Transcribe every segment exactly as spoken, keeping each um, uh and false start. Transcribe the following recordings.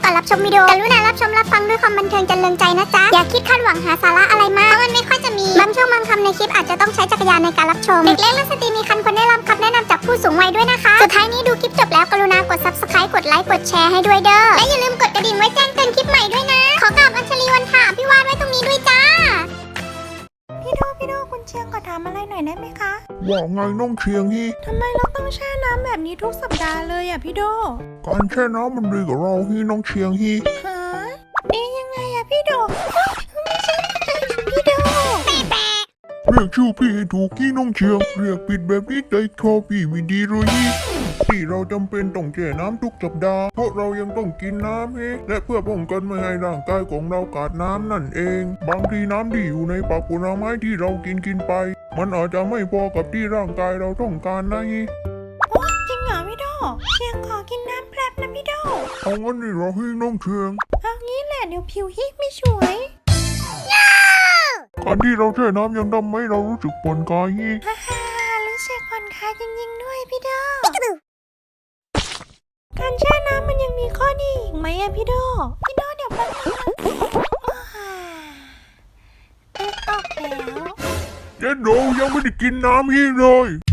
อนรับชมวิดีโอกรุณารับชมรับฟังด้วยความบันเทิงจรรเริงใจนะจ๊ะอย่าคิดคาดหวังหาสาระอะไรมากเพราะมันไม่ค่อยจะมีบางช่วงบางคำในคลิปอาจจะต้องใช้จักรยานในการรับชมเด็กเล็กและสตรีมีคันควรได้รับคำแนะนำจากผู้สูงวัยด้วยนะคะสุดท้ายนี้ดูคลิปจบแล้วกรุณากด ซับสไครบ์ กดไลค์กดแชร์ให้ด้วยเด้อและอย่าลืมกดกระดิ่งไว้แจ้งเตือนคลิปใหม่ด้วยนะขอกราบอัญชลีวันถาพี่วานไว้ตรงนี้ด้วยจ้าพี่โดพี่โดคุณเชียงขอถามอะไรหน่อยได้ไหมคะว่าไงน้องเชียงฮีทำไมเราต้องแช่น้ำแบบนี้ทุกสัปดาห์เลยอ่ะพี่โดการแช่น้ำมันดีกับเราฮีน้องเชียงฮีฮะดียังไงอะพี่โดไม่ใช่พี่โดเรียกชื่อพี่ให้ถูกฮีน้องเชียงเรียกผิดแบบนี้ใจคอพี่ไม่ดีเลยฮีที่เราจำเป็นต้องแช่น้ำทุกสัปดาห์เพราะเรายังต้องกินน้ำฮีและเพื่อป้องกันไม่ให้ร่างกายของเราขาดน้ำนั่นเองบางทีน้ำที่อยู่ในผักผลไม้ที่เรากินกินไปมันอาจจะไม่พอกับที่ร่างกายเราต้องการนะฮีโอ้จริงเหรอพี่โดเชียงขอกินน้ำแป๊บนะพี่โดเอางั้นนี่เราฮีน้องเชียงเอางี้แหละเดี๋ยวผิวฮิไม่สวยการที่เราแช่น้ำยังทำให้เรารู้สึกผ่อนคลายฮีฮ่าฮ่ารู้สึกผ่อนคลายจริงๆด้วยพี่โดการแช่น้ำมันยังมีข้อดีอีกไหมอะพี่โดพี่โดเดี๋ยวแป๊บนึงตึ๊กออกแล้วเจ๊โดยังไม่ได้กินน้ำฮีเลย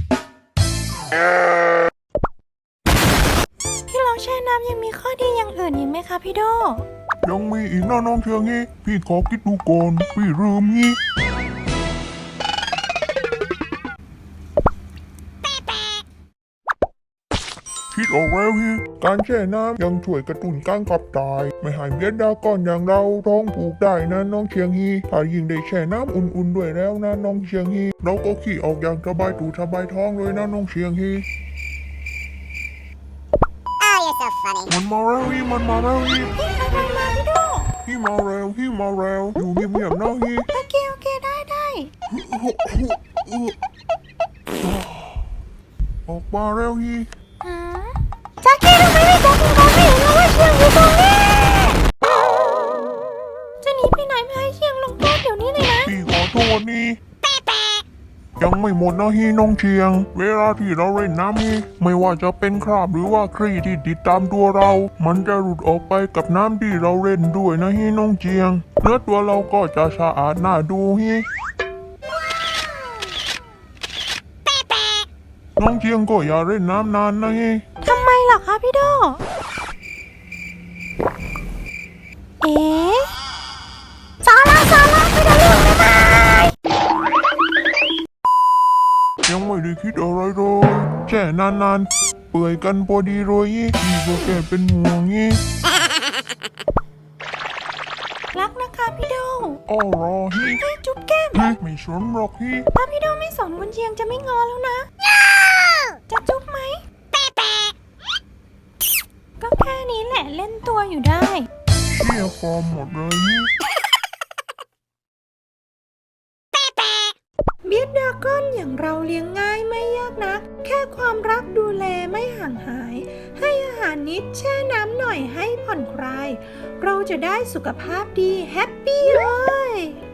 ที่เราแช่น้ำยังมีข้อดีอย่างอื่นอีกไหมคะพี่โดยังมีอีกนะน้องเชียงฮีพี่ขอคิดดูก่อนพี่ลืมฮีคิดออกแล้วฮีการแช่น้ำยังช่วยกระตุ้นการขับถ่ายไม่ให้เบียดดาก้อนอย่างเราท้องผูกได้นะน้องเชียงฮีถ้ายิ่งได้แช่น้ำอุ่นๆด้วยแล้วนะน้องเชียงฮีเราก็ขี้ออกอย่างสบายตูสบายท้องเลยนะน้องเชียงฮีมันมาแล้วฮีมันมาแล้วฮีพี่อะไรมาพี่โดฮีมาแล้วฮีมาแล้วอยู่เงียบๆนะฮีโอเคโอเคได้ได้ออกมาแล้วฮีจักกี้ทำไมไม่บอกคุณเขาไม่เห็นแล้วว่าเชียงอยู่ตรงนี้จะหนีไปไหนไม่ให้เชียงลงโทษเดี๋ยวนี้เลยนะพี่ขอโทษนี่ยังไม่หมดนะฮีน้องเชียงเวลาที่เราเล่นน้ำฮีไม่ว่าจะเป็นคราบหรือว่าครีที่ติดตามตัวเรามันจะหลุดออกไปกับน้ำที่เราเล่นด้วยนะฮีน้องเชียงเนื้อตัวเราก็จะสะอาดน่าดูฮีน้องเชียงก็อย่าเล่นน้ำนานนะฮีทำไมล่ะคะพี่โดเอ๊ะสาระสาระไม่ได้เรื่องเลยนะยังไม่ได้คิดอะไรเลยแช่นานๆเปื่อยกันพอดีเลยยี่พี่ก็แค่เป็นห่วงยี่รักนะคะพี่โดอ้อรอฮีให้จุ๊บแก้มไม่สนหรอกฮีถ้าพี่โดไม่สนคุณเชียงจะไม่งอแล้วนะจะจุ๊บไหมก็แค่นี้แหละเล่นตัวอยู่ได้เชี่ยฟอร์มหมดเลยนี่เบียดดาก้อนอย่างเราเลี้ยงง่ายไม่ยากนักแค่ความรักดูแลไม่ห่างหายให้อาหารนิดแช่น้ำหน่อยให้ผ่อนคลายเราจะได้สุขภาพดีแฮปปี้เลย